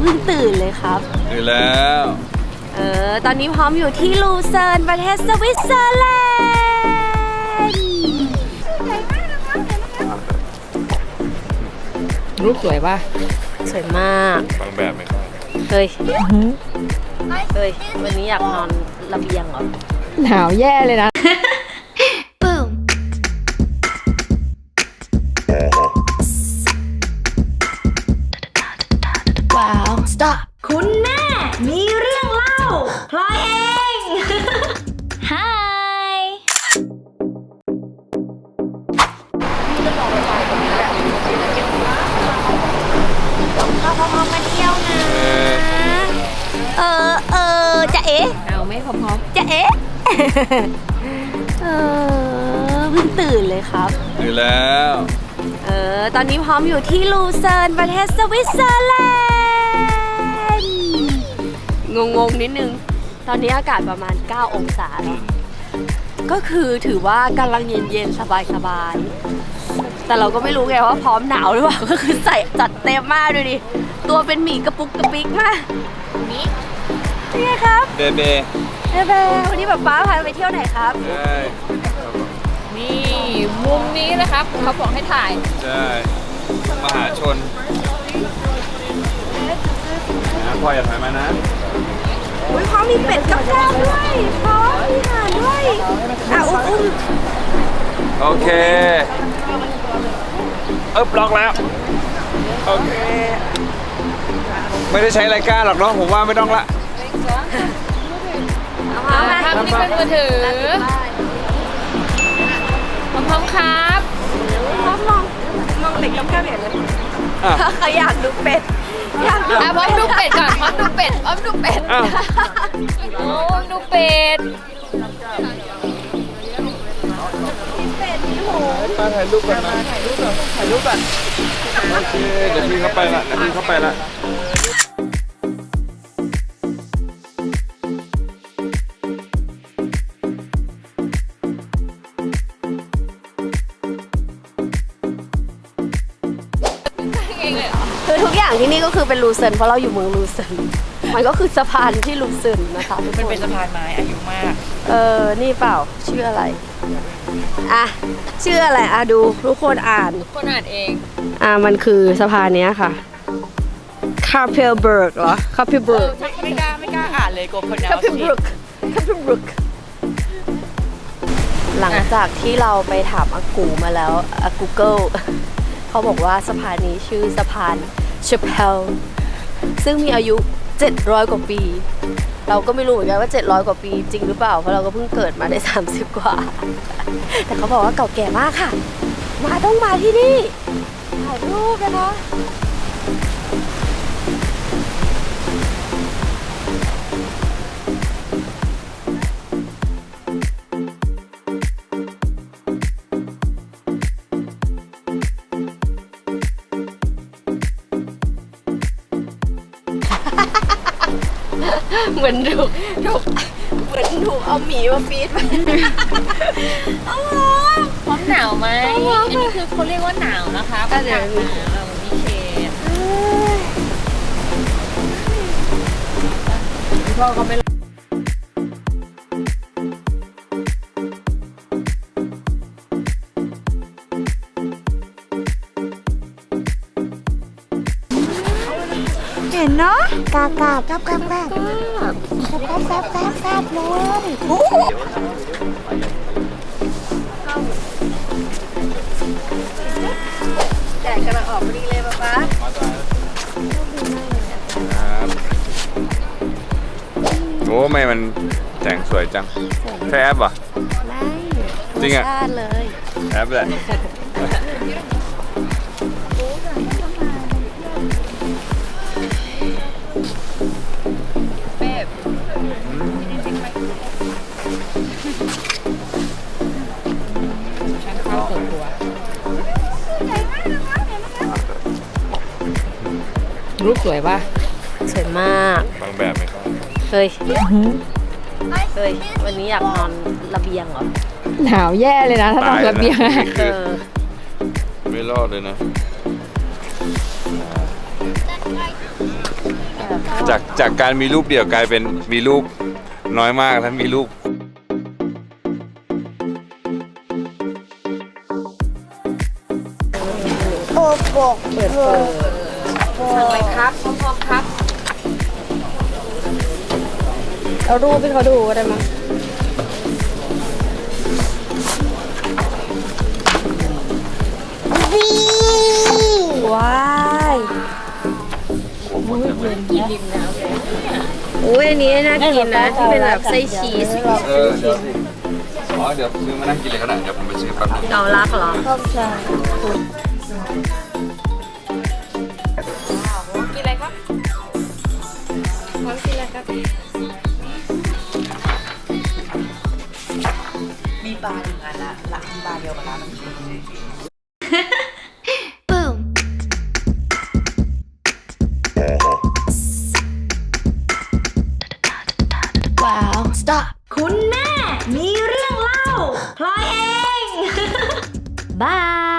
พิ่งตื่นเลยครับตื่นแล้วตอนนี้พร้อมอยู่ที่ลูเซิร์นประเทศสวิตเซอร์แลนด์รูปสวยป่ะสวยมากบางแบบไหมครับเฮ้ยวันนี้อยากนอนระเบียงเหรอหนาวแย่เลยนะว้าว stop คุณแม่มีเรื่องเล่าพลอยเอง Hi เราพร้อมมาเที่ยวนะจะเอ๊ะเอาไม่พร้อมจะเอ๊ะเพิ่งตื่นเลยครับตื่นแล้วตอนนี้พร้อมอยู่ที่ลูเซิร์นประเทศสวิตเซอร์แลนด์งงนิดนึงตอนนี้อากาศประมาณ9องศาแล้วก็คือถือว่ากำลังเย็นๆสบายๆแต่เราก็ไม่รู้ไงว่าพร้อมหนาวหรือเปล่าก็คือใส่จัดเต็มมากดูดิตัวเป็นหมีกระปุกกระปิกมากนี่ไงครับเบเบวันนี้ป๊าพาไปเที่ยวไหนครับใช่นี่มุมนี้นะครับเขาบอกให้ถ่ายใช่มหาชนพ่ออย่าถ่ายมานะพร้อมมีเป็ดกับแก้วด้วยพร้อมมีห่านด้วยอุ้มโอเคล็อกแล้วโอเคไม่ได้ใช้รายการหรอกเนาะผมว่าไม่ต้องละทำนี่เป็นมือถือพร้อมครับพร้อมมองเป็ดกับแก้วเห็นเลยเขาอยากดูเป็ดพร้อมดูเป็ดก่อนพร้อมดูเป็ดโอ้ดูเป็ดมาถ่ายรูปกันนะโอเคเดี๋ยวพี่เข้าไปละคือทุกอย่างที่นี่ก็คือเป็นลูเซิร์นเพราะเราอยู่เมืองลูเซิร์นมันก็คือสะพานที่ลูเซิร์นนะคะมันเป็นสะพานไม้อายุมากนี่เปล่าชื่ออะไรชื่ออะไรดูทุกคนอ่านเองมันคือสะพานเนี้ยค่ะคาเพลเบิร์กเหรอคาเพลเบิร์กไม่กล้าอ่านเลยกลัวคนคาเพลเบิร์กหลังจากที่เราไปถามอากูมาแล้วGoogle เขาบอกว่าสะพานนี้ชื่อสะพานเชเพลซึ่งมีอายุ700 กว่าปีเราก็ไม่รู้เหมือนกันว่า700 กว่าปีจริงหรือเปล่าเพราะเราก็เพิ่งเกิดมาได้30 กว่าแต่เขาบอกว่าเก่าแก่มากค่ะต้องมาที่นี่ถ่ายรูปนะคะเหมือนถูกเอาหมีมาฟีดไปพร้อมหนาวไหมอันนี้คือเขาเรียกว่าหนาวนะคะอากาศหนาววันนี้พ่อเขาไม่เห็นเนาะกาบแซบเลยแดดกำลังออกพอดีเลยป๊าโอ้ไม่มันแสงสวยจังใช่แอปเหรอไม่จริงอ่ะเลยแอปแหละรูปสวยป่ะสวยมากบางแบบไหมครับเฮ้ยวันนี้อยากนอนระเบียงเหรอหนาวแย่เลยนะถ้านอนระเบียงไม่รอดเลยนะจากการมีรูปเดี่ยวกลายเป็นมีรูปน้อยมากแล้วมีรูปโอ้โหเปิดสั่งเลยครับพร้อมๆครับเอารูปให้เขาดูก็ได้มั้งวีว้ายกินริมน้ำเลยเนี่ยโอ้ยอันนี้น่ากินนะที่เป็นแบบไส้ชีสเดี๋ยวสิอ๋อเดี๋ยวซื้อมานั่งกินเลยก็ได้เดี๋ยวผมไปซื้อแป๊บนึงเกาลักเหรอเข้าใจกินอะไรครับพร้อมกินอะไรครับมีปลาหนึ่งอันละหลักมีปลาเดียวกับร้านน้ำจิ้มบูม ว้าว stop คุณแม่มีเรื่องเล่าพลอยเอง บาย